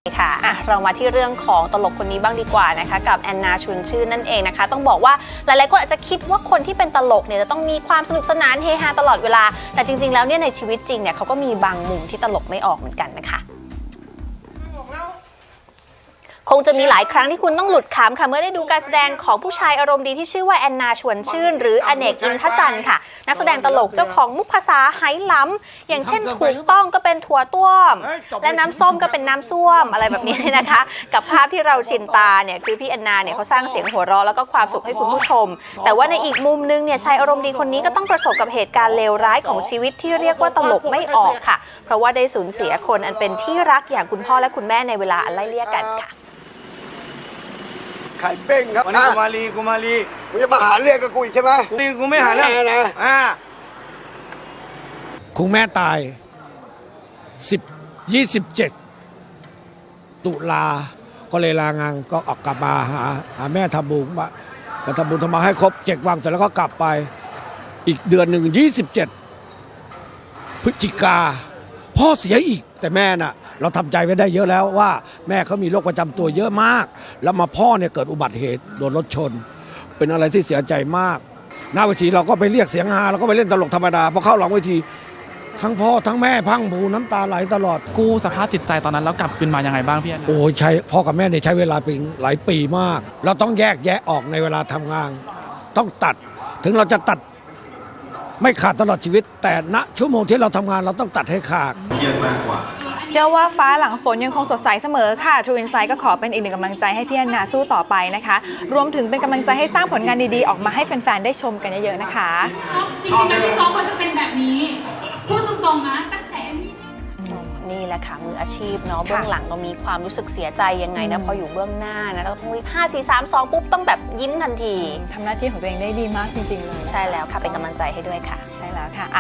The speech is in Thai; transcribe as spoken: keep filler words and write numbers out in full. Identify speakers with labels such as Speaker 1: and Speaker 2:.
Speaker 1: ค่ะอ่ะเรามาที่เรื่องของตลกคนนี้บ้างดีกว่านะคะกับแอนนาชวนชื่นนั่นเองนะคะต้องบอกว่าหลายๆคนอาจจะคิดว่าคนที่เป็นตลกเนี่ยจะต้องมีความสนุกสนานเฮฮาตลอดเวลาแต่จริงๆแล้วเนี่ยในชีวิตจริงเนี่ยเขาก็มีบางมุมที่ตลกไม่ออกเหมือนกันนะคะคงจะมีหลายครั้งที่คุณต้องหลุดขำค่ะเมื่อได้ดูการแสดงของผู้ชายอารมณ์ดีที่ชื่อว่าแอนนาชวนชื่นหรืออเนกอินทจันทร์ค่ะนักแสดงตลกเจ้าของมุกภาษาไหหล้ำอย่างเช่นถูกต้องก็เป็นถั่วต้วมและน้ำส้มก็เป็นน้ำส้วมอะไรแบบนี้นะคะกับภาพที่เราชินตาเนี่ยคือพี่แอนนาเนี่ยเขาสร้างเสียงหัวเราะแล้วก็ความสุขให้คุณผู้ชมแต่ว่าในอีกมุมนึงเนี่ยชายอารมณ์ดีคนนี้ก็ต้องประสบกับเหตุการณ์เลวร้ายของชีวิตที่เรียกว่าตลกไม่ออกค่ะเพราะว่าได้สูญเสียคนอันเป็นที่รักอย่างคุณพ่อและคุณแม่ในเวลาอันไล่เลี่ยกันค่ะ
Speaker 2: ไข่เป้งครับ
Speaker 3: วันนี้กูมาลีกูมาลี
Speaker 2: มึงจะมาหาเรื่องกับกูอีกใช่ไหม
Speaker 3: กูนี่กูไม่หาเรื่อง
Speaker 2: แน่นะ
Speaker 3: อ่า
Speaker 4: คุณแม่ตายสิบยี่สิบเจ็ดตุลาก็เลยลางานก็ออกกลับมาหาหาแม่ทำบุญมามาทำบุญทำมาให้ครบเจ็ดวันเสร็จแล้วก็กลับไปอีกเดือนหนึ่งยี่สิบเจ็ดพฤศจิกาพ่อเสียอีกแต่แม่น่ะเราทำใจไว้ได้เยอะแล้วว่าแม่เขามีโรคประจำตัวเยอะมากแล้วมาพ่อเนี่ยเกิดอุบัติเหตุโดนรถชนเป็นอะไรที่เสียใจมากหน้าเวทีเราก็ไปเรียกเสียงฮาเราก็ไปเล่นตลกธรรมดาพอเข้าหลังเวทีทั้งพ่อทั้งแม่พังผูน้ำตาไหลตลอด
Speaker 5: กู้สภาพจิตใจตอนนั้นแล้วกลับคืนมายังไงบ้างพี่แอน
Speaker 4: โอ้ยใช้พ่อกับแม่เนี่ยใช้เวลาเป็นหลายปีมาก เราต้องแยกแยะออกในเวลาทำงาน ต้องตัดถึงเราจะตัดไม่ขาดตลอดชีวิต แต่ณชั่วโมงที่เราทำงานเราต้องตัดให้ขาด
Speaker 6: เชื่อว่าฟ้าหลังฝนยังคงสดใสเสมอค่ะ True Insight ก็ขอเป็นอีกหนึ่งกำลังใจให้พี่แอนนาสู้ต่อไปนะคะ รวมถึงเป็นกำลังใจให้สร้างผลงานดีๆ ออกมาให้แฟนๆ ได้ชมกันเยอะๆ นะคะ
Speaker 7: จริงๆแล้วพี่โจ๊กเขาจะเป็นแบบนี้ พูดตรงๆนะตั้งแต่เอมมี่
Speaker 1: นี่แหละค่ะมืออาชีพเนาะเบื้องหลังเรามีความรู้สึกเสียใจยังไงนะพออยู่เบื้องหน้านะเราต้องรีบห้าสี่สามสองปุ๊บต้องแบบยิ้มทันที
Speaker 6: ทำหน้าที่ของตัวเองได้ดีมากจริงๆ เลย
Speaker 1: ใช่แล้วค่ะเป็นกำลังใจให้ด้วยค่ะ
Speaker 6: ใช่แล้วค่ะ